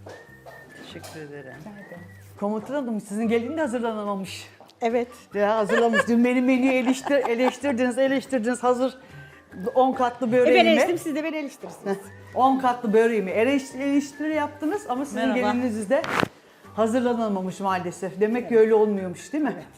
Teşekkür ederim. Komutanım sizin gelin de hazırlanamamış. Evet. Ya hazırlamış. Dün benim menüyü eleştirdiniz. Hazır 10 katlı böreğimi. Ben eleştirdim, siz de beni eleştirirsiniz. 10 katlı böreğimi eleştiri yaptınız ama sizin Merhaba. gelininiz de hazırlanamamış maalesef. Demek ki öyle olmuyormuş değil mi?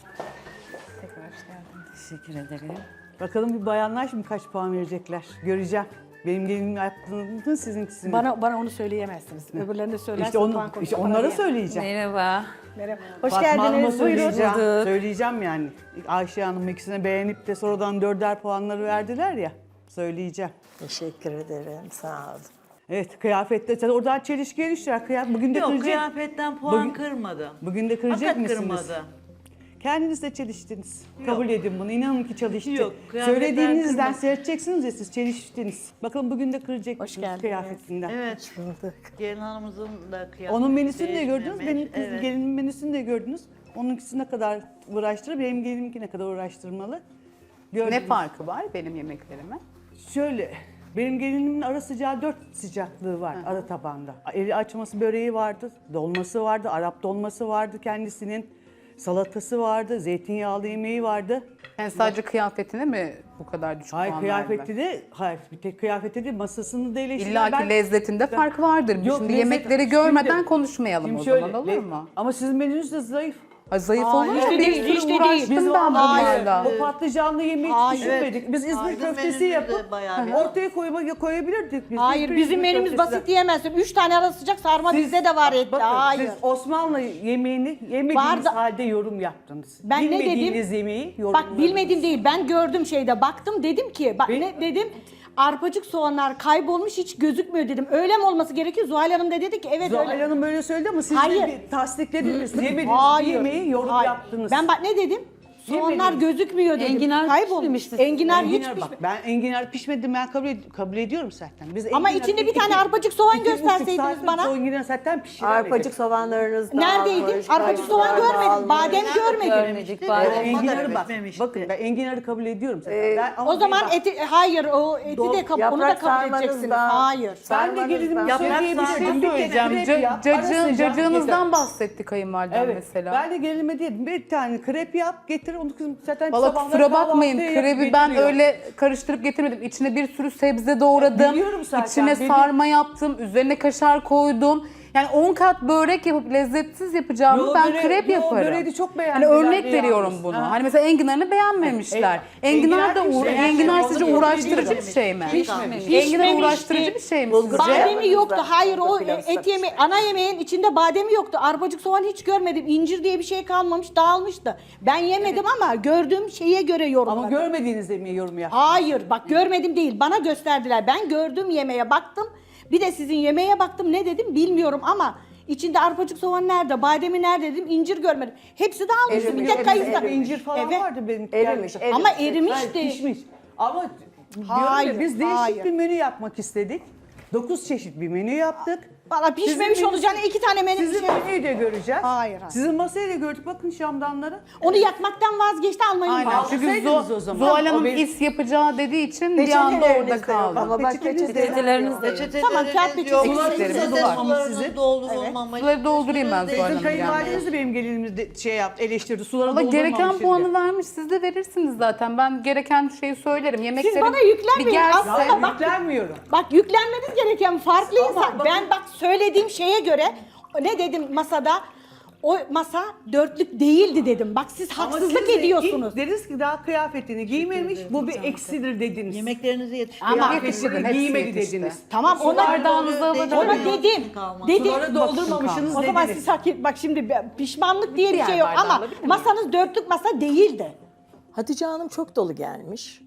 Tekrar hoş geldiniz. Teşekkür ederim. Bakalım bir bayanlar şimdi kaç puan verecekler. Göreceğim. Benim gelinim yaptığını sizinkisi mi? Bana onu söyleyemezsiniz. Öbürlerine söylerseniz İşte onlara söyleyeceğim. Merhaba. Merhaba. Hoş Fatma Hanım'a geldiniz. Buyurun. söyleyeceğim. Bulduk. Söyleyeceğim yani. Ayşe Hanım ikisine beğenip de sonradan 4'er puanları verdiler ya. Söyleyeceğim. Teşekkür ederim, sağ olun. Evet, kıyafette sen oradan çelişkiye düşer. Bugün de Yok, kıracak. kıyafetten puan Bugün- kırmadım. Bugün de kıracak Hakikat mısınız? kırmadı. Kendiniz de çeliştiniz. Yok. Kabul edin bunu. İnanın ki çalıştı. Yok, kıyafetler Söylediğinizden kırmadı. seyredeceksiniz ya siz çeliştiniz. Bakalım bugün de kıracak Hoş mısınız geldiniz. kıyafetinden? Evet. Bulduk. Gelin hanımızın da kıyafeti Onun menüsünü de gördünüz. değişmemiş. Benim kız Evet. gelinin menüsünü de gördünüz. Onunkisi ne kadar uğraştırır, benim gelinimki ne kadar uğraştırmalı. Gördünüz. Ne farkı var benim yemeklerime? Şöyle, benim gelinimin ara sıcağı 4 sıcaklığı var ara tabanda. Eli açması böreği vardı, dolması vardı, Arap dolması vardı kendisinin. Salatası vardı, zeytinyağlı yemeği vardı. Yani sadece kıyafetine mi bu kadar düşük Hayır puan kıyafeti verdiler? de, hayır bir tek kıyafeti de masasını da eleştirdim. İlla ki lezzetinde fark vardır. Yok, Şimdi lezzet- yemekleri görmeden Şimdi- konuşmayalım Şimdi o şöyle, zaman olur mu? Ama sizin menünüz de zayıf. Ay, zayıf Hayır, olur mu? hiç de Bir değil, sürü hiç de değil. uğraştım Biz ben vallahi bunlarla. o patlıcanlı yemeği hiç Hayır. düşünmedik. Biz İzmir Aydın köftesi menüsü de yapıp bayağı bir- ortaya koyabilirdik biz. Hayır, İzmir bizim menümüz köftesi de. basit diyemezsin. 3 tane ara sıcak sarma bizde de var etli. Bakın, Hayır. siz Osmanlı yemeğini yemediğiniz Vardı. halde yorum yaptınız. Ben ne dedim? Bilmediğiniz yemeği Bak yorumladınız. bilmedim değil. Ben gördüm şeyde. Baktım dedim ki. Bak Bil- ne dedim? Arpacık soğanlar kaybolmuş hiç gözükmüyor dedim. Öyle mi olması gerekiyor? Zuhal Hanım da dedi ki evet Zuhal öyle. Hanım böyle söyledi ama siz Hayır. de bir tasdiklediniz. Yemediğiniz Hayır. bir yemeği yorum Hayır. yaptınız. Ben bak ne dedim? Soğanlar Yemediniz. gözükmüyor dedim. Enginar Kaybolmuş. pişmemişti. Enginar hiç Enginar pişmemiş. bak ben enginar pişmedi ben kabul ediyorum zaten. Biz Ama enginar içinde bir iki- tane arpacık soğan iki buçuk gösterseydiniz saat bana. sonra enginar zaten pişiremedik. Arpacık soğanlarınız Neredeydi? dağılmış, Arpacık soğan kayısılar görmedim. dağılmış. Badem görmedim. Görmedik. Ben Badem enginarı da bak. bitmemişti. Bakın ben enginarı kabul ediyorum zaten. Ben, ama O zaman bak, eti hayır o eti de onu da Yaprak kabul sarmanız edeceksiniz. da- Hayır. ben de gelinim Yaprak söyleyebilirim. sarması Bir kere Söyleyeceğim. krep yap, ara sıcak Cacığınızdan getir. bahsetti kayınvalidem Evet. mesela. Ben de gelinime dedim bir tane krep yap getir onu kızım zaten Valla sabahları kusura bakmayın kahvaltıya krebi yapıp ben getiriyor. öyle karıştırıp getirmedim. İçine bir sürü sebze doğradım. Biliyorum zaten, İçine biliyorum. sarma yaptım. Üzerine kaşar koydum. Yani 10 kat börek yapıp lezzetsiz yapacağımı Yo, ben böreği- krep yo, yaparım. böreği de çok Hani beğendiler örnek de veriyorum yalnız. bunu. Ha. Hani mesela enginarını beğenmemişler. Enginar da enginar sizce Onu uğraştırıcı biliyorum. bir şey mi? Pişmemiş. Enginar Pişmemişti. uğraştırıcı bir şey mi Bulgur sizce? pilavı. Bademi yoktu. Pilav Hayır o ısıtmış. et yemeği ana yemeğin içinde bademi yoktu. Arpacık soğan hiç görmedim. İncir diye bir şey kalmamış, dağılmıştı. Ben yemedim ama gördüğüm şeye göre yorumladım. Ama görmediğiniz yemeği yorum yap. Hayır bak görmedim değil. Bana gösterdiler. Ben gördüğüm yemeğe baktım. Bir de sizin yemeğe baktım. Ne dedim bilmiyorum ama içinde arpacık soğan nerede, bademi nerede dedim. İncir görmedim. Hepsi dağılmış. Bir Erimiş, tek kayısı. erimiş. İncir falan Evet. vardı benim. Erimiş, erimiş. Ama Hayır, erimişti. pişmiş. Ama diyorum Hayır, ya, biz değişik hayır. bir menü yapmak istedik. 9 çeşit bir menü yaptık. Valla pişmemiş Sizin olacağını 2 tane menü Sizin menüyü de göreceğiz. Hayır, hayır. Sizin masayı da gördük. Bakın şamdanları. Onu yakmaktan vazgeçti almayı Aynen. unuttu. Çünkü Alsaydınız o zaman. Zuhal O Hanım benim- is yapacağı dediği için bir anda Peçeteleriniz orada de yok kaldı. ama bak Peçeteleriniz de yok. Tamam, kağıt peçete yok. eksiklerimiz Sularınız var. sularınız doldurulmamış. Suları doldurayım ben Zuhal Sizin Hanım kayınvalideniz gelmeye. de benim gelinimiz de şey yaptı, eleştirdi. Suları Ama gereken doldurmamış puanı dedi. vermiş. Siz de verirsiniz zaten. Ben gereken şeyi söylerim. Yemeklerim bana yüklenmeyin. bir gelse. Aslında Ya bak- yüklenmiyorum. Bak yüklenmeniz gereken farklı Ama insan. bakın- Ben bak söylediğim şeye göre ne dedim masada? O masa dörtlük değildi dedim. Bak siz Ama haksızlık siz de ediyorsunuz. ilk dediniz ki daha kıyafetini giymemiş, bu bir eksidir dediniz. Yemeklerinizi yetiştirin. Ama yetiştirdin, Kıyafetini hepsi giymedi yetişti. dediniz. Tamam ona Bardağınızı alacağım. ona dedim. Dedim. Suları doldurmamışsınız O zaman dediniz. siz bak şimdi pişmanlık diye bir Diğer şey yok bardağı ama alabilir miyim? masanız dörtlük masa değildi. Hatice Hanım çok dolu gelmiş.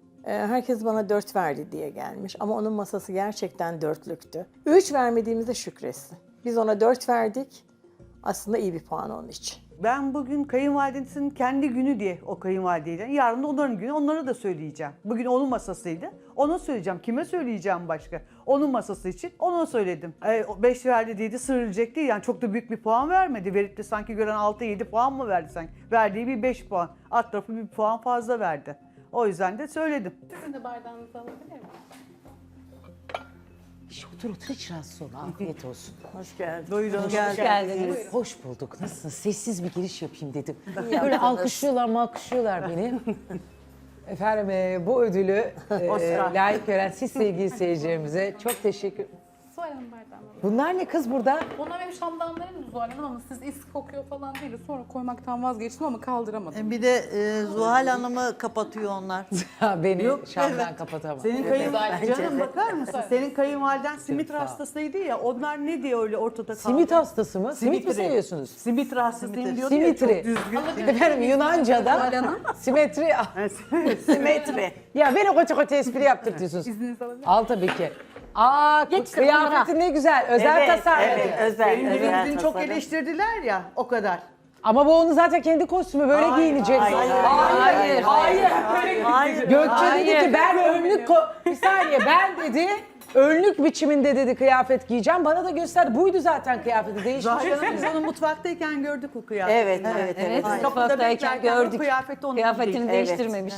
Herkes bana 4 verdi diye gelmiş ama onun masası gerçekten dörtlüktü. 3 vermediğimizde şükretsin. Biz ona 4 verdik. Aslında iyi bir puan onun için. Ben bugün kayınvalidesinin kendi günü diye o kayınvalideyle, yarın da onların günü, onlara da söyleyeceğim. Bugün onun masasıydı, ona söyleyeceğim. Kime söyleyeceğim başka? Onun masası için ona söyledim. 5 verdi dedi, sığıracak değil. Yani çok da büyük bir puan vermedi. Verip de sanki gören 6-7 puan mı verdi sanki? Verdiği bir 5 puan. Alt tarafı bir puan fazla verdi. O yüzden de söyledim. Sizin de bardağınızı alabilir miyim? Otur otur hiç rahatsız olma. Afiyet olsun. Hoş geldin. Buyurun. Hoş geldiniz. Hoş bulduk. Nasılsın? Sessiz bir giriş yapayım dedim. Böyle alkışlıyorlar beni. Efendim bu ödülü layık gören siz sevgili seyircilerimize çok teşekkür. Zuhal Hanım bardağına. Bunlar ne kız burada? Bunlar benim şamdanlarım Zuhal Hanım ama siz is kokuyor falan değil. Sonra koymaktan vazgeçtim ama kaldıramadım. Bir de Zuhal Hanım'ı kapatıyor onlar. Beni Şam'dan kapatamam. Senin canım bakar mısın? Senin kayınvaliden simit hastasıydı ya. Onlar ne diye öyle ortada kaldı? Simit hastası mı? Simit mi Simitri. seviyorsunuz? Simit hastasıyım diyordu ya, Simitri. çok düzgün. Efendim Yunanca'da simetri. Simetri. Ya beni koça koça espri yaptırtıyorsunuz. İzninizi alabilir miyim? Al tabii ki. Aa kıyafetin ne güzel. Özel tasarladı. özel. Benim gelinliğimi çok eleştirdiler ya, o kadar. Ama bu onun zaten kendi kostümü böyle giyinecek. Hayır. Gökçe dedi ki ben önlük bir saniye ben dedi önlük biçiminde dedi kıyafet giyeceğim. Bana da gösterdi. Buydu zaten kıyafeti değişmiş. Zahir Hanım biz onu mutfaktayken gördük o kıyafeti. Evet. Kapıda Mutfaktayken beklerken gördük. o kıyafeti onun Kıyafetini giydi. değiştirmemiş.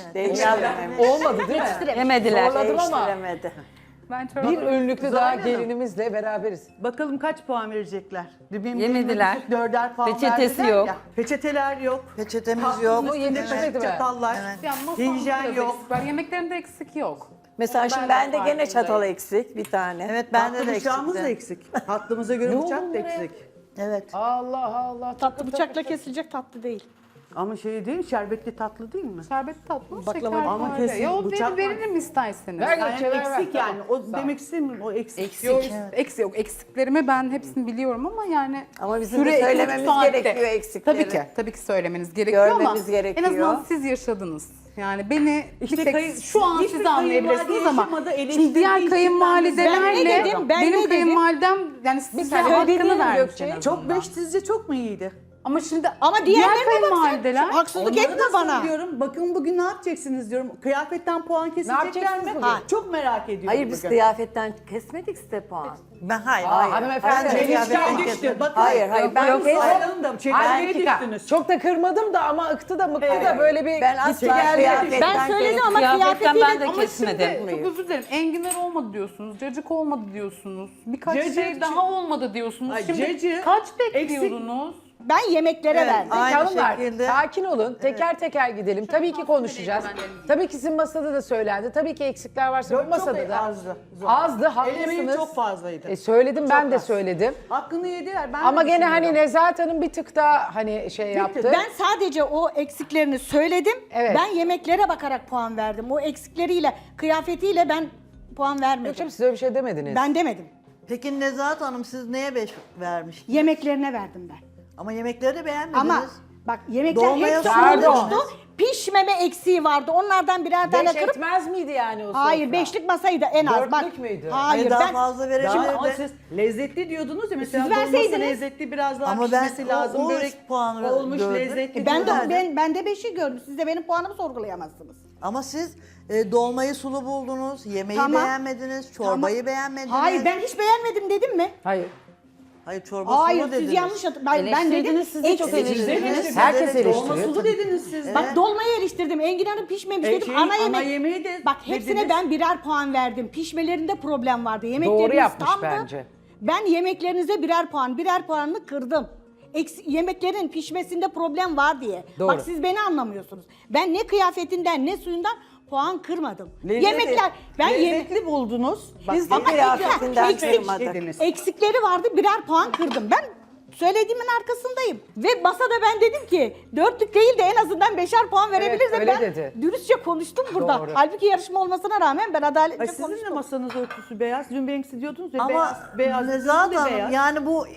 Olmadı değil mi? Yemediler. Zorladım ama Değiştiremedi. Ben çorabı... bir önlüklü daha gelinimizle beraberiz. Bakalım kaç puan verecekler? Benim Yemediler. gelinime 4'er puan Peçetesi verdiler yok. ya. Peçeteler yok. Peçetemiz yok. Bu yetişmedi mi? Çatallar. Yani masamda Hijyen biraz yok. eksik var. Yemeklerimde eksik yok. Mesela şimdi bende gene çatal eksik bir tane. Evet bende Tatlı de bıçağımız da eksikti. eksik. Tatlımıza göre bıçak da eksik. Evet. Allah Allah. Tatlı bıçakla kesilecek tatlı değil. Ama şey değil mi? Şerbetli tatlı değil mi? Şerbetli tatlı, şeker ama var. kesin Ya o bıçak veririm isterseniz. Ver Yani Gökçe, ver, eksik ver. yani. O demek istemiyorum. O eksik. Yok, eksik. Eksiklerimi ben hepsini biliyorum ama yani Ama bizim de süre 2,5 söylememiz saatte. gerekiyor eksikleri. Tabii ki söylemeniz gerekiyor ama Görmemiz gerekiyor. en azından siz yaşadınız. Yani beni İşte bir tek kayın- şu an hiçbir siz kayınvalide anlayabilirsiniz ama yaşamadı, şimdi eleştirdiği diğer için kayınvalidelerle ben ne dedim, ben ne benim dedim? kayınvalidem yani size hakkını vermiş Gökçe. en azından. Çok beş sizce çok mu iyiydi? Ama şimdi Ama diğer diğerlerine bak kayınvalideler sen. Haksızlık Onları etme da bana. söylüyorum. Bakın bugün ne yapacaksınız diyorum. Kıyafetten puan kesecekler yapacaksınız mi? bugün? Ha, çok merak ediyorum Hayır biz bugün. kıyafetten kesmedik size puan. Ben hayır. Hanımefendi. Çelişkiye düştü. Bakın. Hayır, ben Sayalım da çelişkiye düştünüz. Çok da kırmadım da ama ıktı da mıktı da böyle bir Ben asla kıyafetten Ben söyledim ama Kıyafetten kıyafetiyle ben de ama kesmedim. şimdi çok özür dilerim. Enginar olmadı diyorsunuz, cacık olmadı diyorsunuz. Birkaç Cacık- şey daha olmadı diyorsunuz. Ay, Şimdi cacık- kaç bekliyordunuz? ben yemeklere verdim. Aynı Hanımlar şekilde. sakin olun. Teker teker gidelim. Tabii ki konuşacağız. Tabii ki sizin masada da söylendi. Tabii ki eksikler varsa bu masada da. azdı. Azdı, Elemeğim haklısınız. çok fazlaydı. Söyledim ben de az. söyledim. Hakkını yediler. Ben Ama de gene hani düşünüyorum. Nezahat Hanım bir tık daha hani şey yaptı. Ben sadece o eksiklerini söyledim. Evet. Ben yemeklere bakarak puan verdim. O eksikleriyle, kıyafetiyle ben puan vermedim. Gökçem siz öyle bir şey demediniz. Ben demedim. Peki Nezahat Hanım siz neye 5 vermiştiniz? Yemeklerine verdim ben. Ama yemekleri de beğenmediniz. Ama bak yemekler Dolmaya hepsi pardon. olmuştu. Pişmeme eksiği vardı. Onlardan birer tane Beş kırıp... etmez miydi yani o sofra? Hayır, beşlik masaydı en az. Bak, Dörtlük müydü? Hayır, daha ben... fazla Ama verebilirdi. siz lezzetli diyordunuz ya mesela Siz dolması verseydiniz. lezzetli biraz daha Ama ben pişmesi lazım. o Börek puanı olmuş gördüm. lezzetli. Ben diyorlar. ben de 5'i gördüm. Siz de benim puanımı sorgulayamazsınız. Ama siz dolmayı sulu buldunuz, yemeği Tamam. beğenmediniz, çorbayı beğenmediniz. Hayır, ben hiç beğenmedim dedim mi? Hayır. Hayır, çorba Hayır, sulu siz dediniz. yanlış ben dedim. Eleştirdiniz, siz de çok eleştirdiniz. Herkes Dolma eleştiriyor. sulu dediniz siz. Bak dolmayı eleştirdim. Enginar'ın pişmemiş dedim. Şey, ana ana yemek. yemeği de Bak hepsine dediniz. ben birer puan verdim. Pişmelerinde problem vardı. Yemekleriniz Doğru yapmış tamdı. bence. Ben yemeklerinize birer puanını kırdım. Yemeklerin pişmesinde problem var diye. Doğru. Bak siz beni anlamıyorsunuz. Ben ne kıyafetinden ne suyundan puan kırmadım. Lezzeti- Yemekler ben lezzetli buldunuz. Biz de Ama kıyafetinden eksik kırmadık. dediniz. eksikleri vardı, birer puan kırdım. Ben söylediğimin arkasındayım. Ve masada ben dedim ki dörtlük değil de en azından 5'er puan verebilirsem öyle ben dedi. dürüstçe konuştum burada. Doğru. Halbuki yarışma olmasına rağmen ben Ay, adaletli sizin de konuştum. masanız örtüsü beyaz. Dün benimkisi diyordunuz ya Ama beyaz. Nezahat sizin de Hanım beyaz. yani bu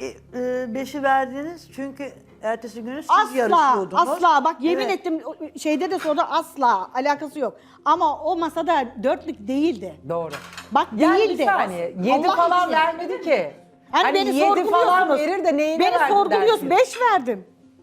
5'i verdiniz çünkü ertesi günü siz Asla, yarışıyordunuz. asla. Bak yemin Evet. ettim şeyde de sordu asla alakası yok. Ama o masada dörtlük değildi. Doğru. Bak Yani değildi. bir saniye. 7 Allah falan için. vermedi ki. Hani beni 7 falan sorguluyorsunuz. verir de neyine Beni verdi sorguluyorsun. dersiniz? 5 verdim.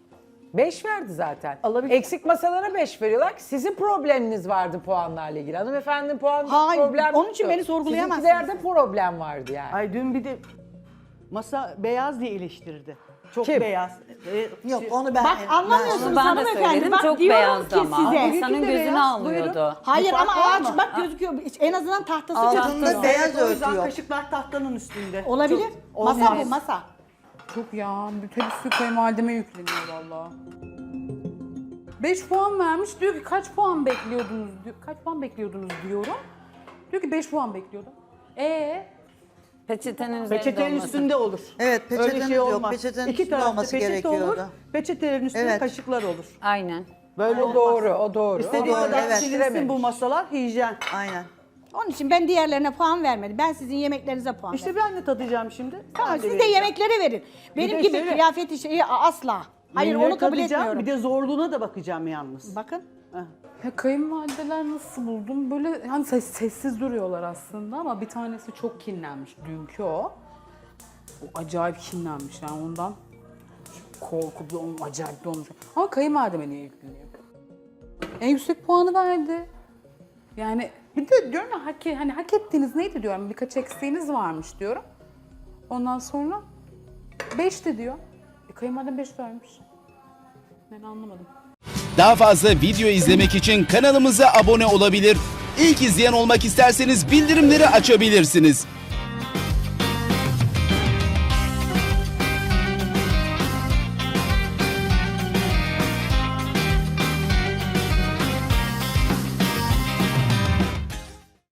5 verdi zaten. Eksik masalara 5 veriyorlar ki sizin probleminiz vardı puanlarla ilgili. Hanımefendinin puan Hayır, problem onun için yoktu. beni sorgulayamazsınız. Sizinkilerde problem vardı yani. Ay dün bir de masa beyaz diye eleştirdi. Çok Kim? beyaz. Yok onu ben... Bak anlamıyorsunuz Onu ben de hanımefendi. söyledim. Bak Çok diyorum beyazdı ki ama. size. Bugünkü İnsanın de gözünü beyaz, almıyordu. buyurun. Hayır Bir ama fark var ağaç mı? bak gözüküyor. En azından tahtası Altında gözüküyor. beyaz O yüzden örtü yok. kaşıklar tahtanın üstünde. Olabilir. Çok- Masa olmaz. bu masa. Çok ya. Hepsi kayınvalideme yükleniyor valla. 5 puan vermiş. Diyor ki kaç puan bekliyordunuz diyor. Kaç puan bekliyordunuz diyorum. Diyor ki 5 puan bekliyordum. Peçetenin üzerinde Peçetenin olması. üstünde olur. Evet, Öyle peçeteniz şey yok. olmaz. Peçetenin İki üstünde tarafta olması peçete gerekiyordu. olur. Peçetelerin üstünde Evet. kaşıklar olur. Aynen. Böyle O olmaz. doğru, o doğru. İstediği O doğru, kadar evet. silinsin bu masalar hijyen. Aynen. Onun için ben diğerlerine puan vermedim. Ben sizin yemeklerinize puan verdim. İşte ben de tadacağım şimdi. Tamam, Ben siz de vereceğim. yemeklere verin. Benim de gibi şöyle- kıyafeti şeyi asla. Hayır Menüleri onu kabul tadacağım, etmiyorum. Bir de zorluğuna da bakacağım yalnız. Bakın. Ya kayınvalideler nasıl buldum? Böyle hani sessiz duruyorlar aslında ama bir tanesi çok kinlenmiş dünkü o. O acayip kinlenmiş yani ondan korkup onun acayip dolmuş. Ama kayınvalideme niye yükleniyor? En yüksek puanı verdi. Yani bir de diyorum ya hani hak ettiğiniz neydi diyorum. Birkaç eksiğiniz varmış diyorum. Ondan sonra 5'ti diyor. Kayınvalidem 5 vermiş. Ben anlamadım. Daha fazla video izlemek için kanalımıza abone olabilir. İlk izleyen olmak isterseniz bildirimleri açabilirsiniz.